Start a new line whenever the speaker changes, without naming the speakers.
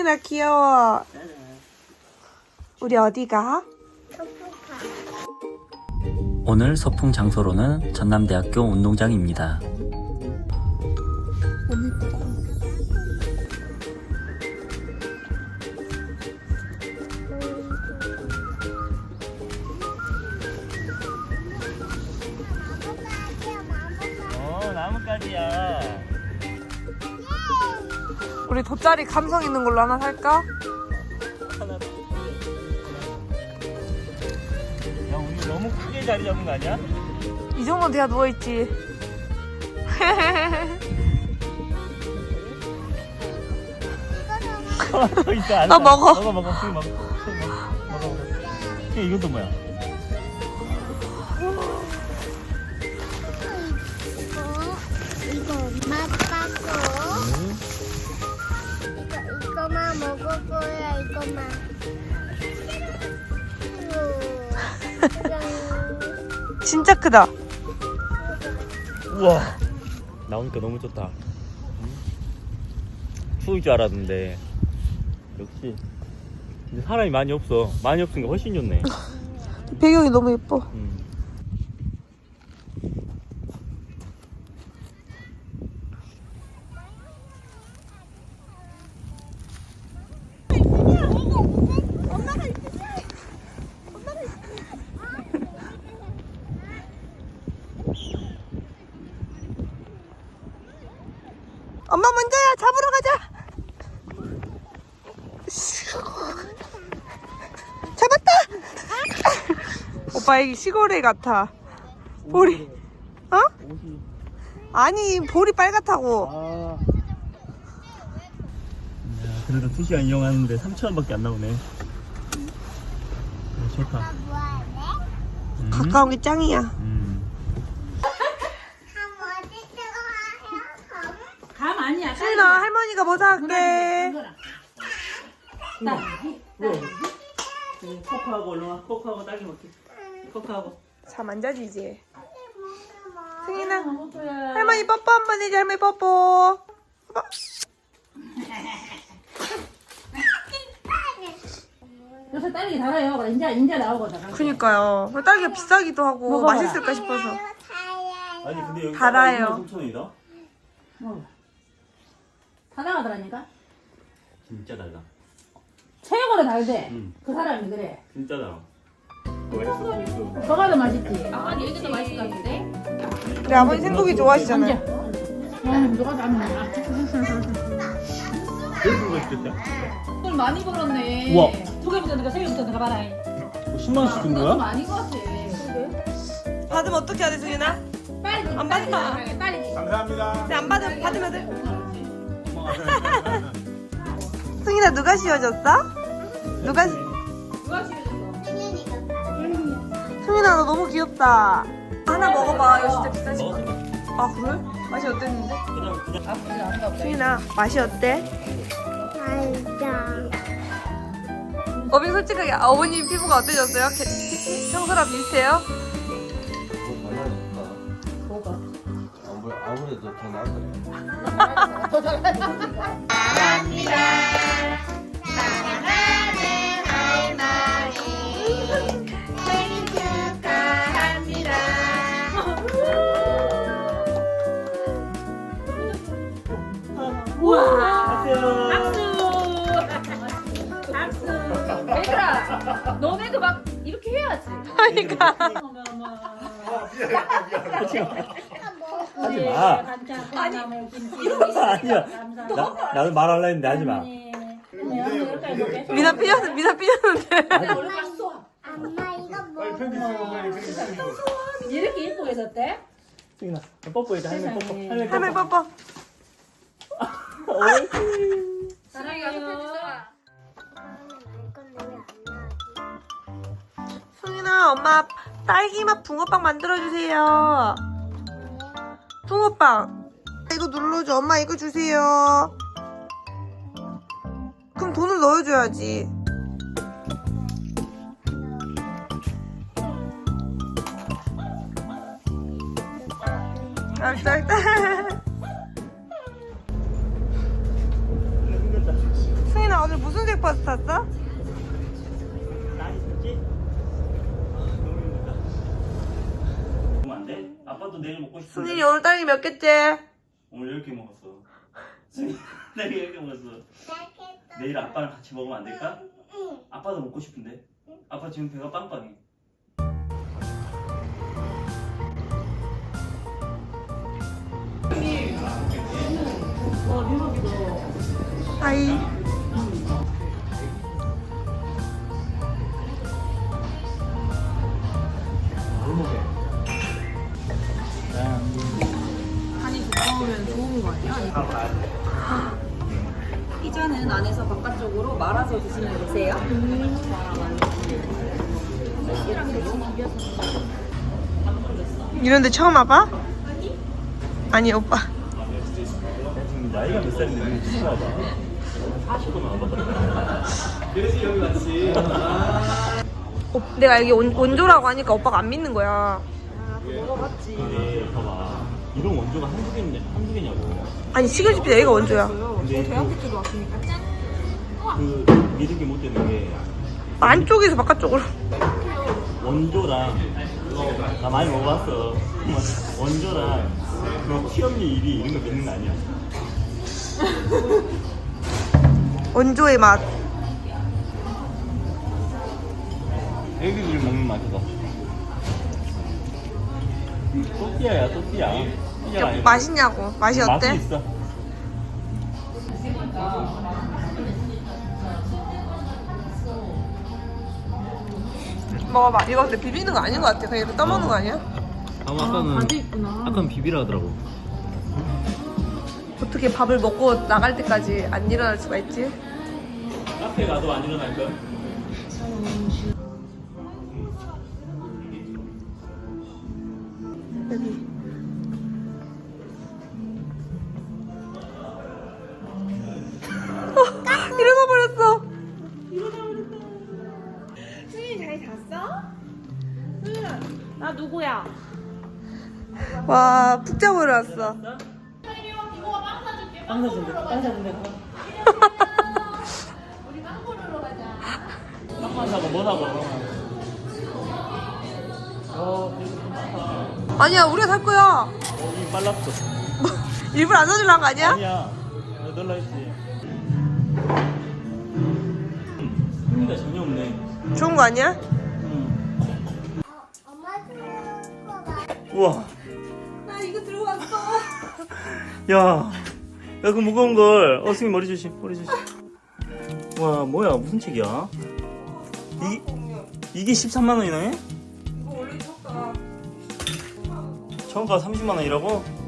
승인아 귀여워. 우리 어디 가?
오늘 소풍 장소로는 전남대학교 운동장입니다.
나뭇가지야.
우리 돗자리 감성 있는 걸로 하나 살까?
야, 우리 너무 크게 자리 잡은 거 아니야?
이 정도는 돼야 누워있지.
더 있어. 안
나 먹어.
먹어. 지금 먹어. 먹어. 이건 또 뭐야?
이거 맛봤고 이거만 먹을 거야. 이거만.
진짜 크다.
우와. 나오니까 너무 좋다. 추울 줄 알았는데 역시 근데 사람이 많이 없어. 많이 없으니까 훨씬 좋네.
배경이 너무 예뻐. 엄마 먼저야. 잡으러 가자. 잡았다. 오빠 여기 시골에 같아. 볼이 어? 아니 볼이 빨갛다고.
그래도 2시간 이용하는데 3,000원밖에 안 나오네. 좋다.
가까운 게 짱이야.
감 아니야.
수인아 할머니가 뭐 사갈게.
코코하고 얼른 와. 코코하고 딸기 먹게. 코코하고.
자 만져지 이제. 승인아 할머니 뽀뽀 한번 해줘. 할머니 뽀뽀. 뽀뽀.
요새 딸기 달아요. 이제 나오거든.
그니까요. 딸기가 비싸기도 하고
먹어봐.
맛있을까 싶어서.
아니 근데 여기
달아요.
3,000원이다?
다 나가더라니까.
진짜 달라.
최고로 달대.
응.
그 사람이 그래.
진짜 달아. 맛있어.
저가 더 맛있지. 아니 이게 더 맛있을 것 같은데.
우리 아버님 생고기 좋아하시잖아요.
누가 닮은
그래서 맛있겠다.
돈 많이 벌었네.
우와.
2개부터 내가 3개부터 내가 봐라.
10만 원씩 준 거야?
많이 것 같아.
받으면 어떻게 해야 돼 승인아?
빨리
안 받아.
빨리.
근데 안 받으면 돼. 승인아 누가 씌워줬어? 누가
씌워줬어?
승인아 너 너무 귀엽다. 하나 먹어봐. 이거 진짜 비싸지. 아 그래? 맛이 어땠는데? 승인아 맛이 어때? 어빈 솔직하게 어머님 피부가 어떠셨어요? 평소랑 비슷해요?
뭐가?
아무래도 더 나을 거예요.
우와! 박수! 얘들아, 너네도 막 이렇게 해야지.
그러니까.
하지 마. 아니야. 나도 말하려 했는데 하지 마.
미나 삐졌는데.
엄마 이거 뭐?
이렇게 예쁘게 졌대?
승인아, 뽀뽀해줘. 할머니 뽀뽀.
할머니 뽀뽀.
사랑해요.
승인아 엄마 딸기맛 붕어빵 만들어주세요. 붕어빵 이거 눌러줘. 엄마 이거 주세요. 그럼 돈을 넣어줘야지. 알았어. 승인아 오늘 무슨 색 버스 탔어?
많이 춥지? 너무 힘들다. 먹으면 안 돼? 아빠도 내일 먹고 싶은데.
순일이 오늘 딸기 몇 개째?
오늘 10개 먹었어. 내일 10개 먹었어. 내일 아빠랑 같이 먹으면 안 될까? 아빠도 먹고 싶은데. 아빠 지금 배가 빵빵해.
하이.
간이 두꺼우면 좋은 거 아니야? 피자는 안에서 바깥쪽으로 말아서 드시면 되세요.
이런데 처음 와봐? 아니 오빠.
지금 나이가 몇 살인데 무슨 거 봐봐. 40도 나와봤다.
내가 여기 원조라고 하니까 오빠가 안 믿는 거야.
근데 봐봐. 이런 원조가 한두 개냐고.
아니 시골집이 여기가 원조야.
근데 그 믿은 게 못 되는 게
안쪽에서 바깥쪽으로.
원조랑 나 많이 먹어봤어. 원조랑 그 키엄리 1위 이런 거 믿는 거 아니야.
원조의 맛.
애기들이 먹는 맛이다. 또띠아야 또띠아. 띠아가 아니라.
맛있냐고. 맛이 어때?
맛은 있어.
먹어봐. 이거 근데 비비는 거 아닌 것 같아. 그냥 이렇게 떠먹는 거 아니야?
아까는 비비라 하더라고.
어떻게 밥을 먹고 나갈 때까지 안 일어날 수가 있지?
카페 가도 안 일어날 거야.
여기. 일어나 버렸어. 수인이 잘 잤어? 수인아, 나 누구야? 와, 푹 자고 일어났어.
빵 사준대. 빵만 사고 뭐 사고.
아니야, 우리가 살 거야.
이미 빨랐어.
일부러 안 사주려는 거 아니야?
아니야. 넣으려 했지. 흥미가 전혀 없네.
좋은 거 아니야?
엄마 들고 가.
우와.
나 이거 들고 왔어.
야, 그 무거운 걸. 승희 머리 조심, 머리 조심. 와, 뭐야, 무슨 책이야? 이게 13만 원이네?
이거 원래 좋다.
처음가 30만 원이라고?